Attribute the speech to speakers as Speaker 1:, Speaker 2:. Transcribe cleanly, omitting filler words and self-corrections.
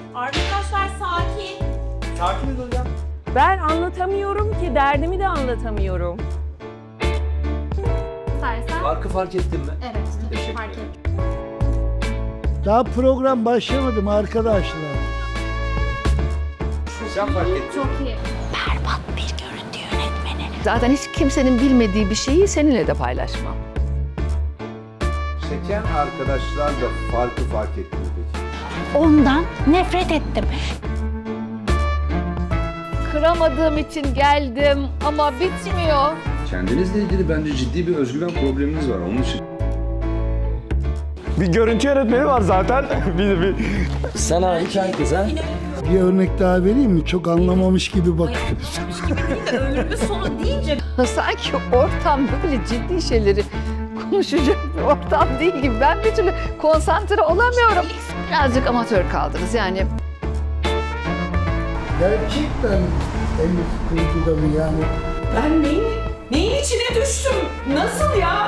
Speaker 1: Arkadaşlar sakin.
Speaker 2: Sakiniz hocam.
Speaker 3: Ben anlatamıyorum ki, derdimi de anlatamıyorum.
Speaker 1: İstersen.
Speaker 2: Farkı fark ettin mi?
Speaker 1: Evet, fark ettim.
Speaker 4: Daha program başlamadı mı arkadaşlar?
Speaker 2: Sen fark ettin.
Speaker 1: Çok iyi.
Speaker 5: Zaten hiç kimsenin bilmediği bir şeyi seninle de paylaşmam.
Speaker 6: Çeken arkadaşlar da farkı fark etti mi peki?
Speaker 7: Ondan nefret ettim.
Speaker 5: Kıramadığım için geldim ama bitmiyor.
Speaker 8: Kendinizle ilgili bence ciddi bir özgüven probleminiz var. Onun için
Speaker 2: Bir görüntü yönetmeni var zaten. bir.
Speaker 9: Sen hariç herkes ha?
Speaker 4: Bir örnek daha vereyim mi? Çok anlamamış gibi bakıyorsun.
Speaker 1: Ömrümün sonu deyince
Speaker 5: Sanki ortam böyle ciddi şeyleri konuşacak bir ortam değil gibi. Ben bir türlü konsantre olamıyorum. Birazcık amatör kaldınız yani.
Speaker 4: Gerçekten Elif kurdu da mı yani?
Speaker 1: ben neyin içine düştüm? Nasıl ya?